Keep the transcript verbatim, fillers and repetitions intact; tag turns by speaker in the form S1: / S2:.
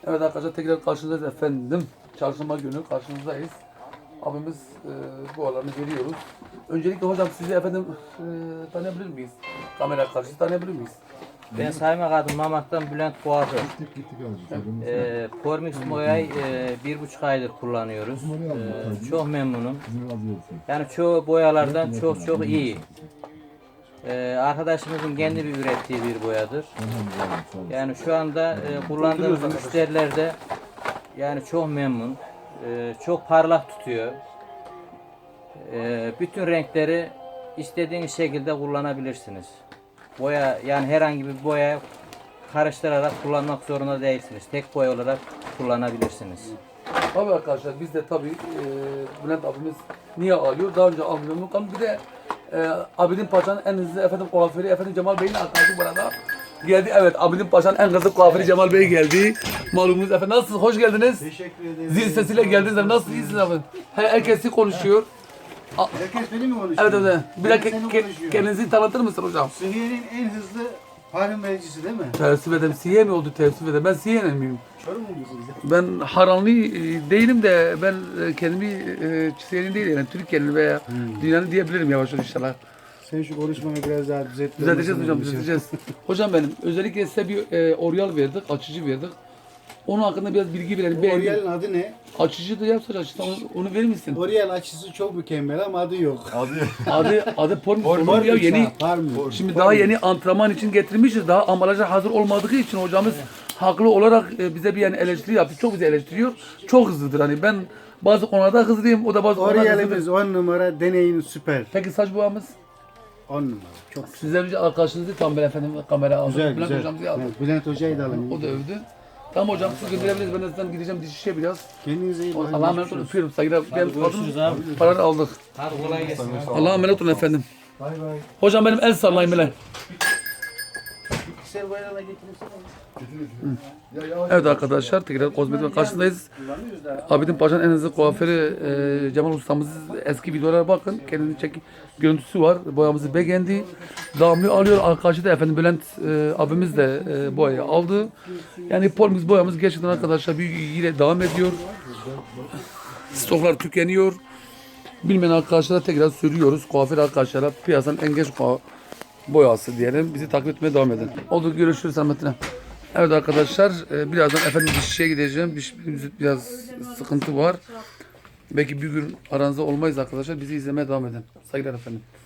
S1: Evet arkadaşlar tekrar karşınızdayız efendim. Çarşamba günü karşınızdayız. Abimiz e, bu alanı veriyoruz. Öncelikle hocam sizi efendim e, tanıyabilir miyiz? Kamera karşısında tanıyabilir miyiz?
S2: Ben Saymak adım Mamak'tan Bülent Boğazı. Ee, Pormix Moya'yı e, bir buçuk aydır kullanıyoruz. Ee, çok memnunum. Yani çoğu boyalardan çok çok iyi. Ee, arkadaşımızın kendi bir ürettiği bir boyadır. Yani şu anda e, kullandığımız müşteriler de yani çok memnun. Ee, çok parlak tutuyor. Ee, bütün renkleri istediğiniz şekilde kullanabilirsiniz. Boya yani herhangi bir boya karıştırarak kullanmak zorunda değilsiniz. Tek boya olarak kullanabilirsiniz.
S1: Tabii arkadaşlar biz de tabii e, Bülent abimiz niye alıyor? Daha önce almıyorduk ama bir de e, Abidin Paşa'nın en hızlı efendim kuaförü efendim Cemal Bey'in arkadaşı burada geldi. Evet Abidin Paşa'nın en hızlı kuaförü Cemal Bey geldi. Malumunuz efendim. Nasılsınız? Hoş geldiniz.
S3: Teşekkür ederim.
S1: Zil sesiyle geldiniz. Nasıl iyisiniz efendim? Her, herkes konuşuyor.
S3: Herkes beni mi konuşuyor?
S1: Evet evet. Bir
S3: Ben
S1: dakika
S3: seni
S1: ke-
S3: konuşuyorum.
S1: kendinizi tanıtır mısın hocam?
S3: Suriye'nin en hızlı parfüm vericisi değil mi?
S1: Teessüf ederim. Siye mi oldu teessüf ederim? Ben Siye'nin miyim?
S3: Çorum musunuz?
S1: Ben Haranlı e, değilim de ben e, kendimi e, Siye'nin değil yani Türkiye'nin veya dünyanın diyebilirim yavaş yavaş inşallah.
S3: Sen şu konuşmayı biraz daha düzelt.
S1: Düzelteceğiz hocam düzelteceğiz. Hocam benim özellikle size bir e, oryal verdik, açıcı verdik. Onun hakkında biraz bilgi verelim. Bir
S3: Oriel'in adı ne?
S1: açıcı da yapsa açıcı onu, onu verir misin?
S3: Oriel açısı çok mükemmel ama adı yok.
S1: Adı adı porn, porn,
S3: Parfüm
S1: ya yeni.
S3: Parfüm.
S1: Şimdi daha yeni antrenman için getirmişiz. Daha ambalaja hazır olmadığı için hocamız haklı olarak e, bize bir yani eleştiri yaptı. Çok bizi eleştiriyor. Çok hızlıdır hani ben bazı konularda hızlıyım. O da bazı konularda
S3: Oriel'imiz
S1: hızlıdır.
S3: on numara, deneyin süper.
S1: Peki saç boyamız?
S3: on numara. Çok
S1: Sizden önce arkadaşınızı tam böyle efendim kamera aldı.
S3: güzel
S1: Bülent
S3: güzel.
S1: hocamızı aldı.
S3: Evet, Bülent Hoca'yı da alın.
S1: O da övdü. Tamam hocam siz gönderebiliriz. Ben de zaten gideceğim dişişe biraz.
S3: Kendinize iyi bakın.
S1: Allah'a emanet olun. Öpüyorum. Saygılar. Ben
S2: Görüşürüz abi.
S1: Paraları aldık.
S2: Hadi kolay gelsin.
S1: Allah'a emanet olun efendim.
S3: Bay bay.
S1: Hocam benim el sallayın böyle.
S3: Piksel bayrağına getirirsen.
S1: Evet arkadaşlar tekrar kozmetik karşısındayız. Abidin Paşa'nın en hızlı kuaförü e, Cemal ustamız eski videolara bakın. Kendini çek görüntüsü var. Boyamızı beğendi. Damlıyor alıyor. Arkadaşı da efendim Bülent e, abimiz de e, boyayı aldı. Yani Pormix boyamız gerçekten arkadaşlar bir ilgiyle devam ediyor. Stoklar tükeniyor. Bilmeyen arkadaşlara tekrar söylüyoruz. Kuaför arkadaşlara piyasanın en genç kuaför boyası diyelim. Bizi takip etmeye devam edin. Oldu görüşürüz Ahmet'ine. Evet arkadaşlar e, birazdan efendim dişçiye gideceğim. Diş, biraz sıkıntı var. Belki bir gün aranızda olmayız arkadaşlar. Bizi izlemeye devam edin. Saygılar efendim.